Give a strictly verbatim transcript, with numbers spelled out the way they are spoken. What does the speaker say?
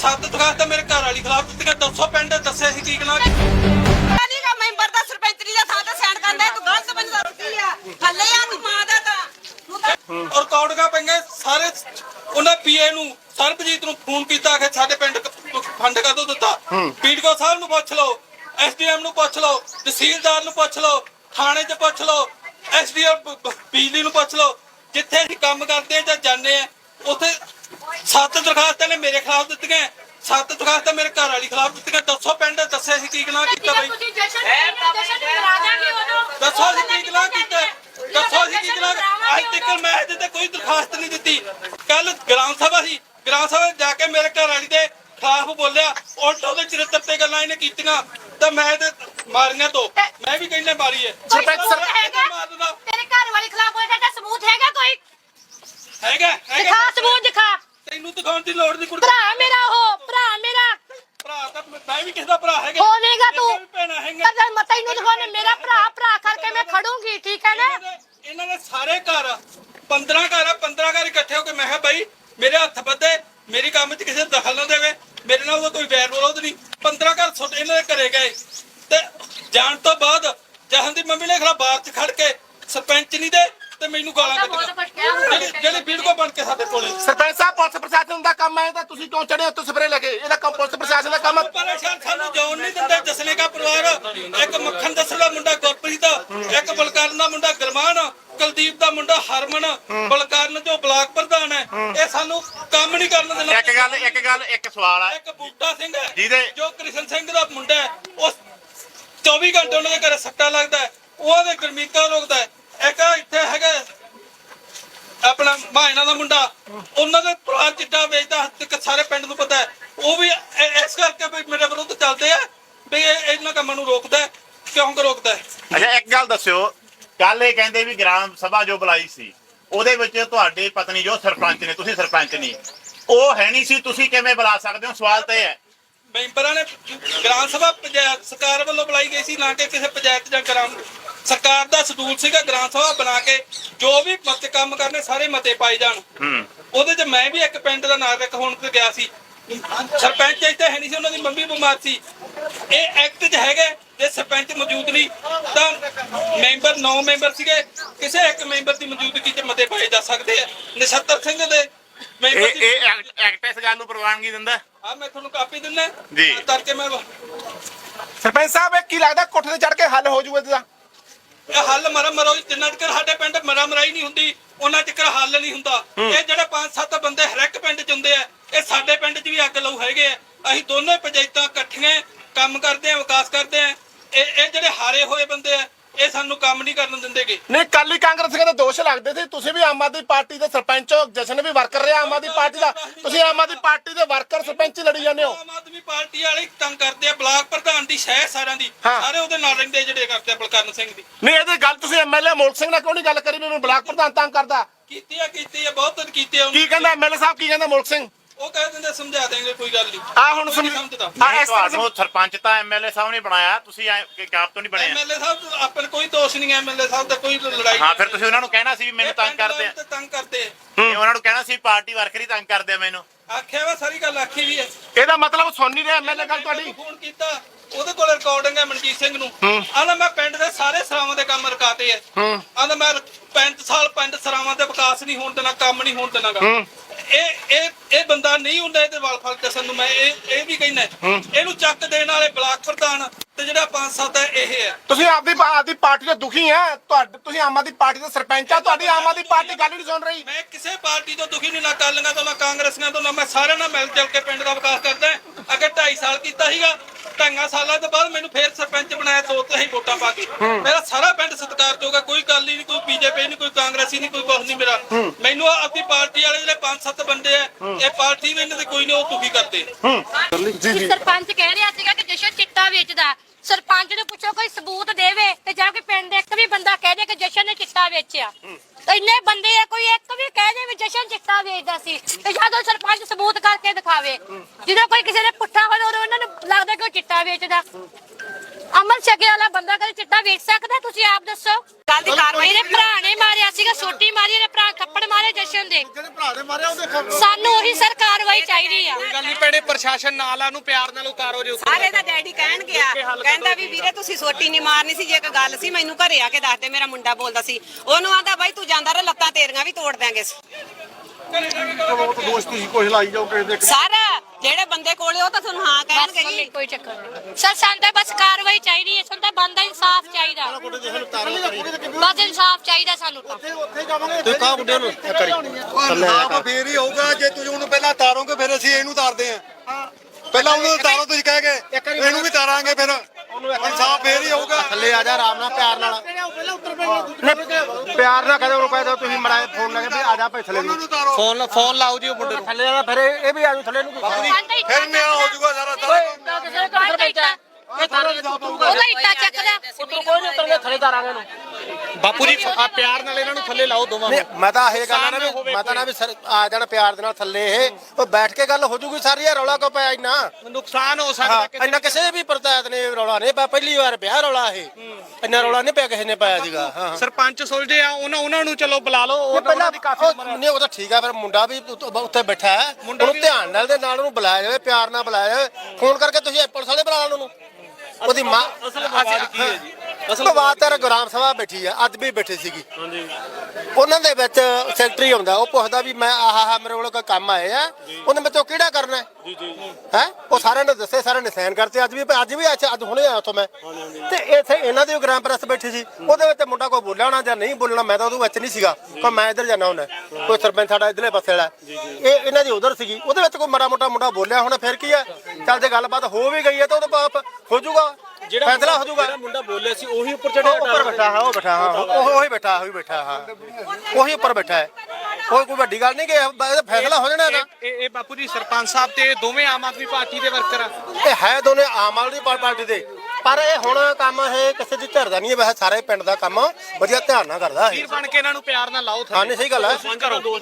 ਸੱਤ ਦਰਖਾਸਤਾਂ ਮੇਰੇ ਘਰ ਵਾਲੀ ਖਿਲਾਫ ਦਿੱਤੀਆਂ। ਦੱਸੋ ਪਿੰਡ ਦੱਸਿਆ ਸੀ ਕੀ ਕਹਣਾ ਮੈਂਬਰ ਦਾ ਸਰਪੰਚੀ ਦਾ ਥਾਂ ਤੇ ਸੈਂਡ ਕਰਦਾ ਤੂੰ ਗਲਤ ਬੰਦਾ ਕੀ ਆ ਥੱਲੇ ਆ ਤੂੰ ਮਾਂ ਦਾ ਤਾਂ ਰਿਕਾਰਡਿੰਗਾਂ ਪਈਆਂ ਸਾਰੇ। ਉਹਨਾਂ ਪੀਏ ਨੂੰ ਸਰਬਜੀਤ ਨੂੰ ਫੋਨ ਕੀਤਾ ਕਿ ਸਾਡੇ ਪਿੰਡ ਫੰਡ ਕਦੋਂ ਦਿੱਤਾ। ਪੀਡੀਓ ਸਾਹਿਬ ਨੂੰ ਪੁੱਛ ਲਓ, ਐਸਡੀਐਮ ਨੂੰ ਪੁੱਛ ਲਓ, ਤਹਿਸੀਲਦਾਰ ਨੂੰ ਪੁੱਛ ਲਓ, ਥਾਣੇ 'ਚ ਪੁੱਛ ਲਓ, ਐਸਡੀਐਮ ਬਿਜਲੀ ਨੂੰ ਪੁੱਛ ਲਓ। ਜਿੱਥੇ ਅਸੀਂ ਕੰਮ ਕਰਦੇ ਆ ਜਾਂ ਜਾਂਦੇ ਆ ਉੱਥੇ ਸੱਤ ਦਰਖਾਸਤਾਂ ਨੇ ਮੇਰੇ ਖਿਲਾਫ ਦਿੱਤੀਆਂ। ਸੱਤ ਦਰਖਾਸਤਾਂ ਮੇਰੇ ਘਰ ਵਾਲੀ ਖਿਲਾਫ ਦਿੱਤੀਆਂ। ਦੱਸੋ ਪਿੰਡ ਦੱਸਿਆ ਸੀ ਕੀ ਗੁਨਾਹ ਕੀਤਾ ਬਈ? ਦੱਸੋ ਅਸੀਂ ਕੀ ਗੁਨਾਹ ਕੀਤਾ? ਦੱਸੋ ਅਸੀਂ ਕੀ ਗੁਨਾਹ? ਅੱਜ ਤੱਕ ਮੈਂ ਇਹਦੇ ਤੇ ਕੋਈ ਦਰਖਾਸਤ ਨਹੀਂ ਦਿੱਤੀ। ਕੱਲ ਗ੍ਰਾਮ ਸਭਾ ਸੀ, ਗ੍ਰਾਮ ਸਭਾ ਜਾ ਕੇ ਮੇਰੇ ਘਰ ਵਾਲੀ ਦੇ ਖਿਲਾਫ ਬੋਲਿਆ, ਉਲਟ ਉਹਦੇ ਚਰਿੱਤਰ ਤੇ ਗੱਲਾਂ ਇਹਨੇ ਕੀਤੀਆਂ ਤਾਂ ਮੈਂ ਇਹਦੇ ਮਾਰੀਆਂ ਤੋਂ ਮੈਂ ਵੀ ਕਹਿੰਦੇ ਮਾਰੀ ਹੈ। ਸਰਪੰਚ ਤੇਰੇ ਘਰ ਵਾਲੀ ਖਿਲਾਫ ਹੋਇਆ ਤਾਂ ਸਬੂਤ ਹੈਗਾ ਕੋਈ? ਹੈਗਾ ਹੈਗਾ ਦਿਖਾ ਸਬੂਤ ਦਿਖਾ। ਤੈਨੂੰ ਦਿਖਾਉਣ ਦੀ ਲੋੜ ਨਹੀਂ। ਕੁੜੀ ਭਰਾ ਮੇਰਾ ਉਹ ਭਰਾ ਮੇਰਾ ਭਰਾ ਤਾਂ ਮੈਂ ਵੀ ਕਿਸ ਦਾ ਭਰਾ ਹੈਗਾ ਹੋਵੇਗਾ ਤੂੰ ਭੈਣਾ ਹੈਗਾ ਤਾਂ ਮੈਂ ਤੈਨੂੰ ਦਿਖਾਉਣੇ ਮੇਰਾ ਭਰਾ ਭਰਾ ਕਰਕੇ ਮੈਂ ਖੜੂੰਗੀ ਠੀਕ ਹੈ ਨਾ। ਇਹਨਾਂ ਦੇ ਸਾਰੇ ਘਰ ਪੰਦਰਾਂ ਘਰ ਆ, ਪੰਦਰਾਂ ਘਰ ਇਕੱਠੇ ਹੋ ਕੇ ਮੈਂ ਕਿਹਾ ਬਾਈ ਮੇਰੇ ਹੱਥ ਬੱਧੇ, ਮੇਰੀ ਕੰਮ 'ਚ ਕਿਸੇ ਦਖਲ ਨਾ ਦੇਵੇ, ਮੇਰੇ ਨਾਲ ਉਹਦਾ ਕੋਈ ਵੈਰ ਵਿਰੋਧ ਨਹੀਂ। ਪੰਦਰਾਂ ਘਰ ਸੁੱਟ ਇਹਨਾਂ ਦੇ ਘਰੇ ਗਏ ਤੇ ਜਾਣ ਤੋਂ ਬਾਅਦ ਜਹਨ ਦੀ ਮੰਮੀ ਨੇ ਖਲਾ ਬਾਹਰ 'ਚ ਖੜ ਕੇ ਸਰਪੰਚ ਨਹੀਂ ਦੇ ਤੇ ਮੈਨੂੰ ਗਾਲਾਂ ਕੱਢੀਆਂ ਜਿਹੜੇ ਜਿਹੜੇ ਵੀਡੀਓ ਬਣ ਕੇ ਸਾਡੇ ਕੋਲੇ। ਸਰਪੰਚ ਸਾਹਿਬ ਪੁਲਿਸ ਪ੍ਰਸ਼ਾਸਨ ਦਾ ਕੰਮ ਹੈ ਤਾਂ ਤੁਸੀਂ ਕਿਉਂ ਚੜੇ ਉੱਤੇ ਸਪਰੇ ਲੈ ਕੇ? ਇਹਦਾ ਕੰਮ ਪੁਲਿਸ ਪ੍ਰਸ਼ਾਸਨ ਦਾ ਕੰਮ ਹੈ। ਪਰੇਸ਼ਾਨ ਸਾਨੂੰ ਜਾਣ ਨਹੀਂ ਦਿੰਦੇ। ਜਸਨੇ ਦਾ ਪਰਿਵਾਰ, ਇੱਕ ਮੱਖਣ ਦਸਰ ਦਾ ਮੁੰਡਾ ਗੁਰਪ੍ਰੀਤ, ਇੱਕ ਬਲਕਾਰਨ ਦਾ ਮੁੰਡਾ ਗਰਮਾਨ, ਕੁਲਦੀਪ ਦਾ ਮੁੰਡਾ ਹਰਮਨ, ਬਲਕਾਰਨ ਜੋ ਬਲਾਕ ਪ੍ਰਧਾਨ ਹੈ, ਇਹ ਸਾਨੂੰ ਕੰਮ ਨਹੀਂ ਕਰਨ ਦਿੰਦਾ। ਇੱਕ ਗੱਲ ਇੱਕ ਗੱਲ ਇੱਕ ਸਵਾਲ ਹੈ। ਇੱਕ ਬੂਟਾ ਸਿੰਘ ਹੈ ਜਿਹਦੇ ਜੋ ਕ੍ਰਿਸ਼ਨ ਸਿੰਘ ਦਾ ਮੁੰਡਾ ਹੈ, ਉਹ ਚੌਵੀ ਘੰਟੇ ਉਹਨਾਂ ਦੇ ਘਰੇ ਸੱਟਾ ਲੱਗਦਾ, ਉਹਦੇ ਗਰਮੀਤਾ ਰੋਕਦਾ ਹੈ। ਇੱਕ ਇੱਥੇ ਹੈਗਾ ਆਪਣਾ ਮਾਇਨਾ ਦਾ ਮੁੰਡਾ, ਉਹਨਾਂ ਦੇ ਪਰਿਵਾਰ ਚਿੱਟਾ ਵੇਚਦਾ ਤੇ ਸਾਰੇ ਪਿੰਡ ਨੂੰ ਪਤਾ ਹੈ। ਉਹ ਵੀ ਇਸ ਕਰਕੇ ਵੀ ਮੇਰੇ ਵਿਰੁੱਧ ਚੱਲਦੇ ਆ ਵੀ ਇਹ ਇਹਨਾਂ ਕੰਮਾਂ ਨੂੰ ਰੋਕਦਾ। ਕਿਉਂ ਰੋਕਦਾ? ਅੱਛਾ ਇੱਕ ਗੱਲ ਦੱਸਿਓ, ਕੱਲ ਇਹ ਕਹਿੰਦੇ ਵੀ ਗ੍ਰਾਮ ਸਭਾ ਜੋ ਬੁਲਾਈ ਸੀ ਉਹਦੇ ਵਿੱਚ ਤੁਹਾਡੇ ਪਤਨੀ ਜੋ ਸਰਪੰਚ ਨੇ, ਤੁਸੀਂ ਸਰਪੰਚ ਨਹੀਂ, ਉਹ ਹੈ ਨਹੀਂ ਸੀ, ਤੁਸੀਂ ਕਿਵੇਂ ਬੁਲਾ ਸਕਦੇ ਹੋ? ਸਵਾਲ ਤਾਂ ਇਹ ਹੈ। ਮੈਂਬਰਾਂ ਨੇ ਗ੍ਰਾਮ ਸਭਾ ਪੰਚਾਇਤ ਸਰਕਾਰ ਵੱਲੋਂ ਬੁਲਾਈ ਗਈ ਸੀ, ਨਾ ਕਿ ਕਿਸੇ ਪੰਚਾਇਤ ਜਾਂ ਗ੍ਰਾਮ ਸਰਕਾਰ ਦਾ ਸ਼ਡਿਊਲ ਸੀਗਾ ਗ੍ਰਾਮ ਸਭਾ ਬਣਾ ਕੇ ਜੋ ਵੀ ਮਤੇ ਕੰਮ ਕਰਨੇ ਸਾਰੇ ਮਤੇ ਪਾਈ ਜਾਣ। ਉਹਦੇ 'ਚ ਮੈਂ ਵੀ ਇੱਕ ਪਿੰਡ ਦਾ ਨਾਗਰਿਕ ਹੋਣ ਤੇ ਗਿਆ ਸੀ। ਸਰਪੰਚ ਇੱਥੇ ਹੈ ਨਹੀਂ ਸੀ, ਉਹਨਾਂ ਦੀ ਮੰਮੀ ਬਿਮਾਰ ਸੀ। ਇਹ ਐਕਟ 'ਚ ਹੈਗੇ ਜੇ ਸਰਪੰਚ ਮੌਜੂਦ ਨਹੀਂ ਤਾਂ ਮੈਂਬਰ ਨੌ ਮੈਂਬਰ ਸੀਗੇ, ਕਿਸੇ ਇੱਕ ਮੈਂਬਰ ਦੀ ਮੌਜੂਦਗੀ 'ਚ ਮਤੇ ਪਾਏ ਜਾ ਸਕਦੇ ਆ। ਨਛੱਤਰ ਸਿੰਘ ਦੇ ਮੈਂਬਰ ਇਹ ਇਹ ਐਕਟ ਇਸ ਗੱਲ ਨੂੰ ਪ੍ਰਵਾਨਗੀ ਦਿੰਦਾ? ਆ ਮੈਂ ਤੁਹਾਨੂੰ ਕਾਪੀ ਦਿੰਦਾ ਜੀ ਕਰਕੇ। ਮੈਂ ਸਰਪੰਚ ਸਾਹਿਬ ਇਹ ਕੀ ਲੱਗਦਾ ਕੋਠੇ ਤੇ ਚੜ ਕੇ ਹੱਲ ਹੋ ਜੂਗਾ ਇਹਦਾ? ਇਹ ਹੱਲ ਮਰਮ ਮਰੋ ਜਿੰਨਾ ਚਿਰ ਸਾਡੇ ਪਿੰਡ ਮਰਾ ਮਰਾਈ ਨਹੀਂ ਹੁੰਦੀ ਉਹਨਾਂ ਚਿਰ ਹੱਲ ਨਹੀਂ ਹੁੰਦਾ। ਇਹ ਜਿਹੜੇ ਪੰਜ ਸੱਤ ਬੰਦੇ ਹਰ ਇੱਕ ਪਿੰਡ 'ਚ ਹੁੰਦੇ ਆ, ਇਹ ਸਾਡੇ ਪਿੰਡ 'ਚ ਵੀ ਅੱਗ ਲਾਉ ਹੈਗੇ ਆ। ਅਸੀਂ ਦੋਨੋਂ ਪੰਚਾਇਤਾਂ ਇਕੱਠੀਆਂ ਕੰਮ ਕਰਦੇ ਆ, ਵਿਕਾਸ ਕਰਦੇ ਆ। ਇਹ ਇਹ ਜਿਹੜੇ ਹਾਰੇ ਹੋਏ ਬੰਦੇ ਆ ਇਹ ਸਾਨੂੰ ਕੰਮ ਨਹੀਂ ਕਰਨ ਦਿੰਦੇਗੇ। ਨਹੀਂ ਕੱਲ ਹੀ ਕਾਂਗਰਸੀਆਂ ਦੇ ਦੋਸ਼ ਲੱਗਦੇ ਸੀ, ਤੁਸੀਂ ਵੀ ਆਮ ਆਦਮੀ ਪਾਰਟੀ ਦੇ ਸਰਪੰਚ ਹੋ, ਜਸ਼ਨ ਵੀ ਵਰਕਰ ਰਿਹਾ ਆਮ ਆਦਮੀ ਪਾਰਟੀ ਦਾ, ਤੁਸੀਂ ਆਮ ਆਦਮੀ ਪਾਰਟੀ ਦੇ ਵਰਕਰ ਸਰਪੰਚ ਲੜੀ ਜਾਂਦੇ ਹੋ। ਆਮ ਆਦਮੀ ਪਾਰਟੀ ਵਾਲੇ ਤੰਗ ਕਰਦੇ ਆ, ਬਲਾਕ ਪ੍ਰਧਾਨ ਦੀ ਸ਼ਹਿਰ ਸਾਰਿਆਂ ਦੀ ਸਾਰੇ ਉਹਦੇ ਨਾਲ ਰਹਿੰਦੇ ਜਿਹੜੇ ਕਰਦੇ ਆ ਬਲਕਰਨ ਸਿੰਘ ਦੀ। ਨਹੀਂ ਇਹਦੀ ਗੱਲ ਤੁਸੀਂ ਐਮਐਲਏ ਮੋਲਕ ਸਿੰਘ ਨਾਲ ਕਿਉਂ ਨਹੀਂ ਗੱਲ ਕਰੀ ਵੀ ਮੈਨੂੰ ਬਲਾਕ ਪ੍ਰਧਾਨ ਤੰਗ ਕਰਦਾ? ਕੀਤੀ ਆ ਕੀਤੀ ਆ ਬਹੁਤ ਕੀਤੀ ਆ। ਕੀ ਕਹਿੰਦਾ ਐਮਐਲਏ ਸਾਹਿਬ, ਕੀ ਕਹਿੰਦਾ ਮੋਲਕ ਸਿੰਘ? ਉਹ ਕਹਿ ਦਿੰਦੇ ਸਮਝਾ ਦੇਂਗੇ ਕੋਈ ਗੱਲ ਨਹੀਂ। ਆ ਹੁਣ ਸਮਝਦਾ ਤੁਹਾਨੂੰ ਸਰਪੰਚ ਤਾਂ ਐਮਐਲਏ ਸਾਹਿਬ ਨੇ ਬਣਾਇਆ, ਤੁਸੀਂ ਆਪ ਤੋਂ ਨਹੀਂ ਬਣਿਆ। ਐਮਐਲਏ ਸਾਹਿਬ ਆਪਣੇ ਕੋਈ ਦੋਸ਼ ਨਹੀਂ, ਐਮਐਲਏ ਸਾਹਿਬ ਦਾ ਕੋਈ ਲੜਾਈ। ਹਾਂ ਫਿਰ ਤੁਸੀਂ ਉਹਨਾਂ ਨੂੰ ਕਹਿਣਾ ਸੀ ਵੀ ਮੈਨੂੰ ਤੰਗ ਕਰਦੇ ਆ। ਤੰਗ ਕਰਦੇ ਉਹਨਾਂ ਨੂੰ ਕਹਿਣਾ ਸੀ ਪਾਰਟੀ ਵਰਕਰ ਹੀ ਤੰਗ ਕਰਦੇ ਆ ਮੈਨੂੰ। ਆਖਿਆ ਵਾ ਸਾਰੀ ਗੱਲ ਆਖੀ ਵੀ ਹੈ। ਇਹਦਾ ਮਤਲਬ ਸੁਣ ਨਹੀਂ ਰਿਹਾ ਐਮਐਲਏ ਗੱਲ ਤੁਹਾਡੀ। ਫੋਨ ਕੀਤਾ ਉਹਦੇ ਕੋਲ ਰਿਕਾਰਡਿੰਗ ਹੈ ਮਨਜੀਤ ਸਿੰਘ ਨੂੰ। ਆਂਦਾ ਮੈਂ ਪਿੰਡ ਦੇ ਸਾਰੇ ਸਰਾਵਾਂ ਦੇ ਕੰਮ ਰਕਾਤੇ ਆ। ਆਂਦਾ ਮੈਂ ਪੰਜ ਸਾਲ ਪਿੰਡ ਸਰਾਵਾਂ ਦੇ ਵਿਕਾਸ ਨਹੀਂ ਹੋਣ ਦੇਣਾ, ਕੰਮ ਨਹੀਂ ਹੋਣ ਦੇਣਾਗਾ। ਇਹ ਇਹ ਇਹ ਬੰਦਾ ਨਹੀਂ ਹੁੰਦਾ ਇਹਦੇ ਵਾਲ ਫਲ ਦੱਸਣ ਨੂੰ। ਮੈਂ ਇਹ ਇਹ ਵੀ ਕਹਿੰਦਾ ਇਹਨੂੰ ਚੱਕ ਦੇਣ ਵਾਲੇ ਬਲਾਕ ਪ੍ਰਧਾਨ ਤੇ ਜਿਹੜਾ ਪੰਜ ਸੱਤ ਹੈ ਇਹ ਹੈ। ਤੁਸੀਂ ਆਪਦੀ ਆਪਦੀ ਪਾਰਟੀ ਤੋਂ ਦੁਖੀ ਹੈ, ਤੁਹਾਡੇ ਤੁਸੀਂ ਆਮ ਆਦਮੀ ਪਾਰਟੀ ਦੇ ਸਰਪੰਚ ਆ, ਤੁਹਾਡੀ ਆਮ ਆਦਮੀ ਪਾਰਟੀ ਗੱਲ ਨਹੀਂ ਸੁਣ ਰਹੀ। ਮੈਂ ਕਿਸੇ ਪਾਰਟੀ ਤੋਂ ਦੁਖੀ ਨਹੀਂ, ਨਾ ਅਕਾਲੀਆਂ ਤੋਂ ਨਾ ਕਾਂਗਰਸੀਆਂ ਤੋਂ, ਨਾ ਮੈਂ ਸਾਰਿਆਂ ਨਾਲ ਮਿਲ ਜੁਲ ਕੇ ਪਿੰਡ ਦਾ ਵਿਕਾਸ ਕਰਦਾ। ਅੱਗੇ ਢਾਈ ਸਾਲ ਕੀਤਾ ਸੀਗਾ, ਢਾਈਆਂ ਸਾਲਾਂ ਤੋਂ ਬਾਅਦ ਮੈਨੂੰ ਫੇਰ ਸਰਪੰਚ ਬਣਾਇਆ ਦੋ ਤੇ ਹੀ ਵੋਟਾਂ ਪਾ ਕੇ। ਮੇਰਾ ਸਾਰਾ ਪਿੰਡ ਸਤਿਕਾਰਯੋਗ ਹੈ, ਕੋਈ ਅਕਾਲੀ ਨਹੀਂ, ਕੋਈ ਬੀਜੇਪੀ ਨਹੀਂ, ਕੋਈ ਕਾਂਗਰਸੀ ਨਹੀਂ, ਕੋਈ ਕੁਛ ਨਹੀਂ। ਮੇਰਾ ਮੈਨੂੰ ਆਪਣੀ ਪਾਰਟੀ ਵਾਲੇ ਜਿਹੜੇ ਪੰਜ ਸੱਤ ਬੰਦੇ ਆ ਇਹ ਪਾਰਟੀ ਵੀ ਇਹਨਾਂ ਦੇ ਕੋਈ ਨਹੀਂ, ਉਹ ਦੁਖੀ ਕਰਦੇ। ਸਰਪੰਚ ਕਹਿ ਰਿਹਾ ਸੀਗਾ ਕਿ ਜਸ਼ਨ ਚਿੱਟਾ ਵੇਚਦਾ। ਸਰਪੰਚ ਨੂੰ ਪੁੱਛੋ ਕੋਈ ਸਬੂਤ ਦੇਵੇ ਤੇ ਜਾ ਕੇ ਪਿੰਡ ਦੇ ਇੱਕ ਵੀ ਬੰਦਾ ਕਹਿ ਦੇ ਕਿ ਜਸ਼ਨ ਨੇ ਚਿੱਟਾ ਵੇਚਿਆ। ਤੇ ਇੰਨੇ ਬੰਦੇ ਆ, ਕੋਈ ਇੱਕ ਵੀ ਕਹਿ ਦੇ ਵੀ ਜਸ਼ਨ ਚਿੱਟਾ ਵੇਚਦਾ ਸੀ ਤੇ ਜਦੋਂ ਸਰਪੰਚ ਸਬੂਤ ਕਰਕੇ ਦਿਖਾਵੇ। ਜਦੋਂ ਕੋਈ ਕਿਸੇ ਨੇ ਪੁੱਠਾ ਹੋਵੇ ਉਹਨਾਂ ਨੂੰ ਲੱਗਦਾ ਕਿ ਉਹ ਚਿੱਟਾ ਵੇਚਦਾ। ਅਮਰ ਛਕੇ ਵਾਲਾ ਬੰਦਾ ਕਦੇ ਚਿੱਟਾ ਵੇਚ ਸਕਦਾ? ਤੁਸੀਂ ਆਪ ਦੱਸੋ। ਕੱਲ ਦੀ ਕਾਰਵਾਈ ਮੇਰੇ ਭਰਾ ਨੇ ਮਾਰਿਆ ਸੀਗਾ, ਛੋਟੀ ਮਾਰੀ ਨੇ ਭਰਾ ਥੱਪੜ ਮਾਰੇ ਜਸ਼ਨ ਦੇ। ਜਿਹੜੇ ਭਰਾ ਨੇ ਮਾਰਿਆ ਉਹਦੇ ਖਿਲਾਫ਼ ਸਾਨੂੰ ਉਹੀ ਸਰ ਕਾਰਵਾਈ ਚਾਹੀਦੀ ਆ। ਗੱਲ ਨਹੀਂ ਪੈਣੇ, ਪ੍ਰਸ਼ਾਸਨ ਨਾਲ ਆ ਨੂੰ ਪਿਆਰ ਨਾਲ ਉਤਾਰੋ ਜੇ ਸਾਰੇ ਦਾ ਡੈਡੀ ਕਹਿਣ ਗਿਆ, ਕਹਿੰਦਾ ਵੀ ਵੀਰੇ ਤੁਸੀਂ ਸੋਟੀ ਨਹੀਂ ਮਾਰਨੀ ਸੀ, ਜੇ ਇੱਕ ਗੱਲ ਸੀ ਮੈਨੂੰ ਘਰੇ ਆ ਕੇ ਦੱਸ ਦੇ। ਮੇਰਾ ਮੁੰਡਾ ਬੋਲਦਾ ਸੀ, ਉਹਨੂੰ ਆਂਦਾ ਬਾਈ ਤੂੰ ਜਾਂਦਾ ਰਹਿ, ਲੱਤਾਂ ਤੇਰੀਆਂ ਵੀ ਤੋੜ ਦਿਆਂਗੇ। ਦੋਸਤ ਤੁਸੀਂ ਕੁਝ ਲਾਈ ਜਾਓ ਕਿਸੇ ਦੇ ਸਾਰਾ ਜਿਹੜੇ ਬੰਦੇ ਕੋਲੇ ਉਹ ਤਾਂ ਤੁਹਾਨੂੰ ਹਾਂ ਬਸ ਕਹਿਣਗੇ ਮੰਮੀ ਜੀ। ਕੋਈ ਚੱਕਰ ਨਹੀਂ ਸਰ, ਸਾਨੂੰ ਤਾਂ ਬਸ ਕਾਰਵਾਈ ਚਾਹੀਦੀ ਹੈ। ਸਾਨੂੰ ਤਾਂ ਬੰਦਾ ਇਨਸਾਫ ਚਾਹੀਦਾ, ਬਸ ਇਨਸਾਫ ਚਾਹੀਦਾ ਸਾਨੂੰ ਤਾਂ। ਉੱਥੇ ਜਾਵਾਂਗੇ ਤੂੰ ਕਾ ਬੁੱਢੇ ਨੂੰ ਕਰੀ ਇਨਸਾਫ ਫੇਰ ਹੀ ਹੋਊਗਾ ਜੇ ਤੁਸੀਂ ਉਹਨੂੰ ਪਹਿਲਾਂ ਤਾਰੋਗੇ, ਫਿਰ ਅਸੀਂ ਇਹਨੂੰ ਤਾਰਦੇ ਆ। ਪਹਿਲਾਂ ਉਹਨੂੰ ਤਾਰੋ, ਤੁਸੀਂ ਕਹਿ ਗਏ ਇਹਨੂੰ ਵੀ ਤਾਰਾਂਗੇ, ਫਿਰ ਇਨਸਾਫ ਫੇਰ ਹੀ ਹੋਊਗਾ। ਥੱਲੇ ਆ ਜਾ ਆਰਾਮ ਨਾਲ ਪਿਆਰ ਨਾਲ ਪਿਆਰ ਨਾਲ ਕਦੇ ਉਹਨੂੰ ਕਹਿ ਦਿਓ ਤੁਸੀਂ ਮੜਾ ਫੋਨ ਲਾ ਕੇ ਵੀ ਆ ਜਾ ਭਾਈ ਥੱਲੇ ਨੂੰ ਉਹਨੂੰ ਤਾਰੋ, ਫੋਨ ਫੋਨ ਲਾਓ ਜੀ ਉਹ ਮੁੰਡੇ ਨੂੰ। ਥੱਲੇ ਆ ਫਿਰ ਇਹ ਇਹ ਵੀ ਆ ਜੂ ਥੱਲੇ ਨੂੰ ਫਿਰ ਨਿਆਂ ਹੋ ਜਾਊਗਾ ਸਾਰਾ ਸਾਰਾ। ਉਹਦਾ ਇੱਟਾ ਚੱਕਦਾ। ਕੋਈ ਨਹੀਂ ਉਤਰਨੇ ਥੱਲੇ ਤਾਰਾਂਗੇ ਇਹਨੂੰ। ਬਾਪੂ ਜੀ ਆ ਪਿਆਰ ਨਾਲ ਇਹਨਾਂ ਨੂੰ ਥੱਲੇ ਲਾਓ ਦੋਵਾਂ ਨਹੀਂ ਨੂੰ। ਮੈਂ ਤਾਂ ਇਹ ਗੱਲ ਆ ਨਾ ਵੀ ਮੈਂ ਤਾਂ ਨਾ ਵੀ ਸਰ ਆ ਜਾਣ ਪਿਆਰ ਦੇ ਨਾਲ ਥੱਲੇ ਇਹ ਉਹ ਬੈਠ ਕੇ ਗੱਲ ਹੋ ਜੂਗੀ ਸਾਰੀ। ਇਹ ਰੌਲਾ ਕਿਉਂ ਪਿਆ ਇੰਨਾ? ਨੁਕਸਾਨ ਹੋ ਸਕਦਾ ਹਾਂ ਕਿਸੇ ਇੰਨਾ ਕਿਸੇ ਵੀ ਪ੍ਰਤਾਇਤ ਨੇ ਰੌਲਾ ਨਹੀਂ ਪਿਆ, ਪਹਿਲੀ ਵਾਰ ਪਿਆ ਰੌਲਾ ਇਹ। ਇੰਨਾ ਰੌਲਾ ਨਹੀਂ ਪਿਆ ਕਿਸੇ ਨੇ ਪਾਇਆ ਸੀਗਾ। ਹਾਂ ਸਰਪੰਚ ਸੁਲਝੇ ਆ, ਉਹਨਾਂ ਉਹਨਾਂ ਨੂੰ ਚਲੋ ਬੁਲਾ ਲਓ। ਉਹ ਉਹ ਪਹਿਲਾਂ ਦੀ ਕਾਫੀ ਉਮਰ ਆ। ਨਹੀਂ ਉਹ ਤਾਂ ਠੀਕ ਆ, ਫਿਰ ਮੁੰਡਾ ਵੀ ਉੱਤ- ਉੱਥੇ ਬੈਠਾ ਹੈ, ਉਹਨੂੰ ਧਿਆਨ ਨਾਲ ਦੇ ਨਾਲ ਉਹਨੂੰ ਬੁਲਾਇਆ ਜਾਵੇ, ਪਿਆਰ ਨਾਲ ਬੁਲਾਇਆ ਜਾਵੇ। ਫੋਨ ਕਰਕੇ ਤੁਸੀਂ ਪੁਲਿਸ ਵਾਲੇ ਬੁਲਾ ਲਓ ਉਹਨੂੰ। ਉਹਦੀ ਮਾਂ ਅਸਲ ਵਿਵਾਦ ਕੀ ਹੈ ਜੀ? ਅਸਲ ਬਾਤ ਤਾਂ ਗ੍ਰਾਮ ਸਭਾ ਬੈਠੀ ਆ, ਅੱਜ ਵੀ ਬੈਠੀ ਸੀਗੀ। ਉਹਨਾਂ ਦੇ ਵਿੱਚ ਸੈਕਟਰੀ ਆਉਂਦਾ, ਉਹ ਪੁੱਛਦਾ ਵੀ ਮੈਂ ਆਹ ਆਹ ਮੇਰੇ ਕੋਲ ਕੋਈ ਕੰਮ ਆਏ ਆ, ਉਹਨੇ ਮੈਥੋਂ ਕਿਹੜਾ ਕਰਨਾ ਹੈ? ਹੈ ਉਹ ਸਾਰਿਆਂ ਨੂੰ ਦੱਸੇ, ਸਾਰਿਆਂ ਨੇ ਸਾਈਨ ਕਰਤੇ। ਅੱਜ ਵੀ ਅੱਜ ਵੀ ਅੱਛਾ ਅੱਜ ਹੁਣੇ ਆਇਆ ਉੱਥੋਂ ਮੈਂ, ਤੇ ਇੱਥੇ ਇਹਨਾਂ ਦੀ ਗ੍ਰਾਮ ਪ੍ਰੈਸ ਬੈਠੀ ਸੀ। ਉਹਦੇ ਵਿੱਚ ਮੁੰਡਾ ਕੋਈ ਬੋਲਿਆ ਹੋਣਾ ਜਾਂ ਨਹੀਂ ਬੋਲਣਾ, ਮੈਂ ਤਾਂ ਉਹਦੇ ਵਿੱਚ ਨਹੀਂ ਸੀਗਾ। ਕੋਈ ਮੈਂ ਇੱਧਰ ਜਾਣਾ ਹੁੰਦਾ, ਕੋਈ ਸਰਪੰਚ ਸਾਡਾ ਇੱਧਰਲੇ ਪਾਸੇ ਵਾਲਾ, ਇਹ ਇਹਨਾਂ ਦੀ ਉਧਰ ਸੀਗੀ। ਉਹਦੇ ਵਿੱਚ ਕੋਈ ਮਾੜਾ ਮੋਟਾ ਮੁੰਡਾ ਬੋਲਿਆ ਹੋਣਾ, ਫਿਰ ਕੀ ਹੈ? ਚੱਲ ਜੇ ਗੱਲਬਾਤ ਹੋ ਵੀ ਗਈ ਹੈ ਤਾਂ ਉਹਦਾ ਬਾਪ ਹੋ ਜਾਊਗਾ, ਫੈਸਲਾ ਹੋ ਜਾਊਗਾ। ਮੁੰਡਾ ਬੋਲਿਆ ਸੀ ਉਹੀ ਉੱਪਰ ਉਹ ਉੱਪਰ ਬੈਠਾ ਹਾਂ, ਉਹ ਬੈਠਾ ਹਾਂ, ਉਹ ਉਹੀ ਬੈਠਾ ਉਹੀ ਬੈਠਾ ਹਾਂ, ਉਹੀ ਉੱਪਰ ਬੈਠਾ ਹੈ। ਕੋਈ ਕੋਈ ਵੱਡੀ ਗੱਲ ਨਹੀਂ ਕਿ ਇਹਦਾ ਫੈਸਲਾ ਹੋ ਜਾਣਾ ਇਹਦਾ। ਇਹ ਇਹ ਬਾਪੂ ਜੀ ਸਰਪੰਚ ਸਾਹਿਬ ਤੇ ਦੋਵੇਂ ਆਮ ਆਦਮੀ ਪਾਰਟੀ ਦੇ ਵਰਕਰ ਆ। ਇਹ ਹੈ ਦੋਨੇ ਆਮ ਆਦਮੀ ਪਾਰਟੀ ਦੇ, ਪਰ ਇਹ ਹੁਣ ਕੰਮ ਇਹ ਕਿਸੇ ਦੀ ਧਿਰ ਦਾ ਨਹੀਂ ਹੈ, ਵੈਸੇ ਸਾਰੇ ਪਿੰਡ ਦਾ ਕੰਮ ਵਧੀਆ ਧਿਆਨ ਨਾਲ ਕਰਦਾ ਇਹ। ਵੀਰ ਬਣ ਕੇ ਇਹਨਾਂ ਨੂੰ ਪਿਆਰ ਨਾਲ ਲਾਓ ਹਾਂ ਨਹੀਂ ਸਹੀ ਗੱਲ ਹੈ। ਕਰੋ